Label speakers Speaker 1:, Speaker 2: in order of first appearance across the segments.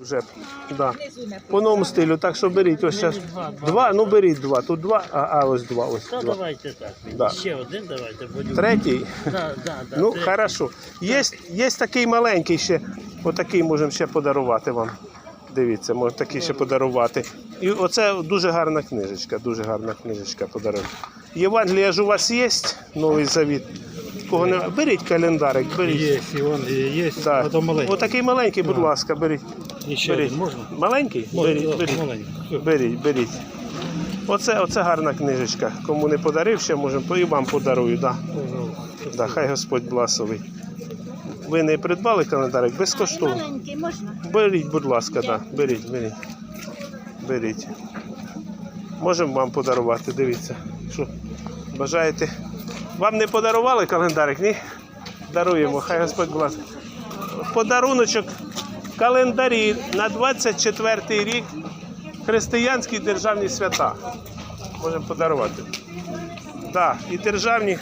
Speaker 1: вже. Да. По новому стилю, так що беріть. Ось зараз. Два, ну беріть два. Тут два, ось два. Ось
Speaker 2: Та
Speaker 1: два.
Speaker 2: давайте так.
Speaker 1: Да.
Speaker 2: Ще один давайте.
Speaker 1: Третій?
Speaker 2: Да.
Speaker 1: Ну,
Speaker 2: третій.
Speaker 1: хорошо. Є такий маленький ще. Отакий можемо ще подарувати вам. Дивіться, можна такий ще подарувати. І оце дуже гарна книжечка, подарунок. Євангелія ж у вас є, Новий Завіт? Кого не... Беріть календарик, беріть.
Speaker 3: Є, і он є,
Speaker 1: Да.
Speaker 3: а то маленький.
Speaker 1: Отакий маленький, будь ласка, беріть.
Speaker 3: І ще
Speaker 1: Беріть.
Speaker 3: один можна?
Speaker 1: Маленький?
Speaker 3: Можна,
Speaker 1: Беріть.
Speaker 3: маленький.
Speaker 1: Беріть. Оце гарна книжечка. Кому не подарив, ще можемо, і вам подарую. Да. Да, хай Господь благословить. Ви не придбали календарик? Безкоштовно.
Speaker 4: Маленький можна?
Speaker 1: Беріть, будь ласка, да. Беріть. Можемо вам подарувати, дивіться. Що, бажаєте? Вам не подарували календарик, ні? Даруємо, хай Господь благословить. Подаруночок, календарі на 24-й рік, християнські державні свята. Можемо подарувати. Да, і державні.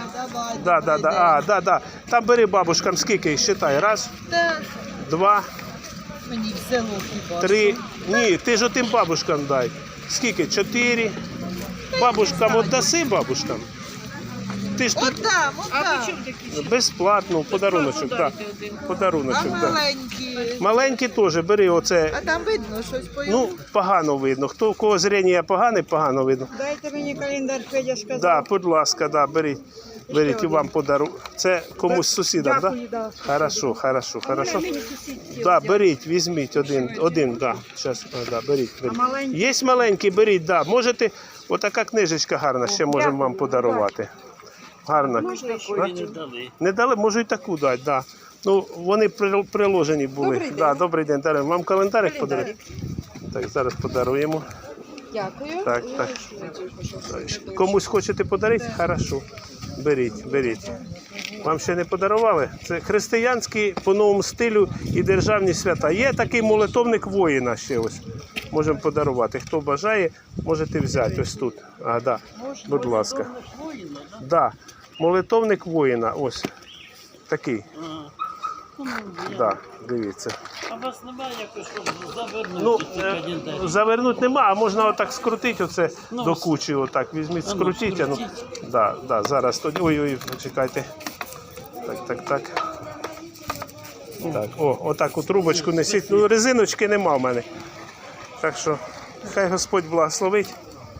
Speaker 1: Да. Там бери бабушкам скільки, считай. Раз, два,
Speaker 4: Мені в село хіба.
Speaker 1: три. Ні, ти ж отим бабушкам дай. Скільки? 4. Бабушкам отдаси бабушкам. Ти ж тут
Speaker 4: Отдам.
Speaker 1: безплатно, подаруночок, так. Подаруночок,
Speaker 4: А
Speaker 1: так.
Speaker 4: маленькі?
Speaker 1: Маленькі теж, бери оце.
Speaker 4: А там видно щось по
Speaker 1: Ну, погано видно. Хто, у кого зріння погано видно.
Speaker 4: Дайте мені календар, Федя сказав.
Speaker 1: Да, будь ласка, да, беріть. Беріть і вам подару. Це комусь сусідам, так?
Speaker 4: Дякую, да.
Speaker 1: Хорошо. Да, беріть, візьміть один, да. Щас, да, беріть.
Speaker 4: маленький?
Speaker 1: Є маленький, беріть, да. Можете, отака книжечка гарна, ще можемо вам подарувати. Гарна.
Speaker 2: Такої не дали.
Speaker 1: Не дали, можу і таку дати, да. Ну, вони приложені були.
Speaker 4: Добрий день.
Speaker 1: Да, добрий день, даруємо. Вам календарик подаруємо? Так, зараз подаруємо.
Speaker 4: Дякую.
Speaker 1: Так. Комусь хочете подарити? Хорошо. Беріть. Вам ще не подарували? Це християнські по новому стилю і державні свята. Є такий молитовник воїна ще ось. Можемо подарувати. Хто бажає, можете взяти ось тут. Да. Будь ласка. Да. Молитовник воїна. Ось. Такий. Да. Дивіться.
Speaker 2: А у вас немає якось, щоб завернути
Speaker 1: Ну,
Speaker 2: ці календарі?
Speaker 1: завернути нема, а можна отак скрутити оце до кучі, отак візьміть, скрутіть. Ну, да, зараз тоді. Ой, почекайте. Так. Так, отак у трубочку несіть. Ну, резиночки нема в мене. Так що, хай Господь благословить.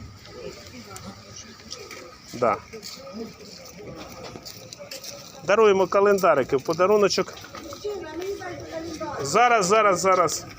Speaker 1: Да. Даруємо календарики в подаруночок. Зараз.